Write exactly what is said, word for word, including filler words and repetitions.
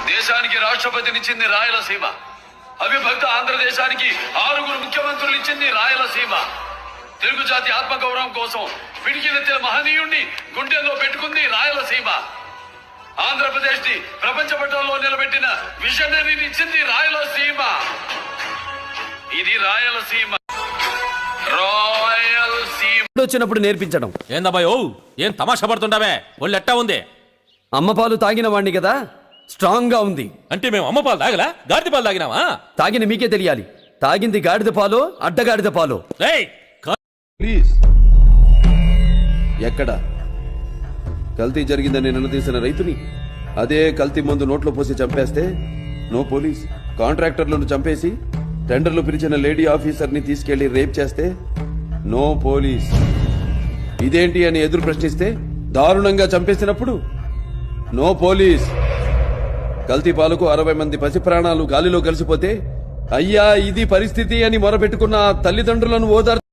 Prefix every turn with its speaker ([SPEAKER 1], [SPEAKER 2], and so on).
[SPEAKER 1] దేశానికి రాష్ట్రపతినిచ్చింది రాయలసీమ. అవిభక్త ఆంధ్రదేశానికి ఆరుగురు ముఖ్యమంత్రులు ఇచ్చింది రాయలసీమ. తెలుగు జాతి ఆత్మగౌరవం కోసం పిడికిలెత్తిన మహనీయుణ్ణి గుండెల్లో పెట్టుకుంది రాయలసీమ. ఆంధ్రప్రదేశ్ ని ప్రపంచ పటంలో నిలబెట్టిన విజనరీని ఇచ్చింది రాయలసీమ. ఇది రాయలసీమ. రాయలసీమ
[SPEAKER 2] వచ్చినప్పుడు నేర్పించడం
[SPEAKER 3] ఏందబ్బాయి ఓ ఏం తమాషా పడుతుంటావే? ఒళ్ళు ఎట్టా ఉంది?
[SPEAKER 2] అమ్మ పాలు తాగిన వాణ్ణి కదా, స్ట్రాంగ్ గా ఉంది.
[SPEAKER 3] అంటే మేము అమ్మ పాలు తాగలా, గాడిద పాలు తాగినావా?
[SPEAKER 2] తాగిన మీకే తెలియాలి, తాగింది గాడిద పాలో అడ్డగాడిద పాలో.
[SPEAKER 3] రేయ్
[SPEAKER 4] ప్లీజ్. ఎక్కడ కల్తీ జరిగిందని నిలదీసిన రైతుని అదే కల్తీ మందు నోట్లో పోసి చంపేస్తే నో పోలీస్. కాంట్రాక్టర్లను చంపేసి టెండర్లు పిలిచిన లేడీ ఆఫీసర్ ని తీసుకెళ్లి రేప్ చేస్తే నో పోలీస్. ఇదేంటి అని ఎదురు ప్రశ్నిస్తే దారుణంగా చంపేసినప్పుడు నో పోలీస్. కల్తీ పాలకు అరవై మంది పసి ప్రాణాలు గాలిలో కలిసిపోతే అయ్యా ఇది పరిస్థితి అని మొరపెట్టుకున్న తల్లిదండ్రులను ఓదార్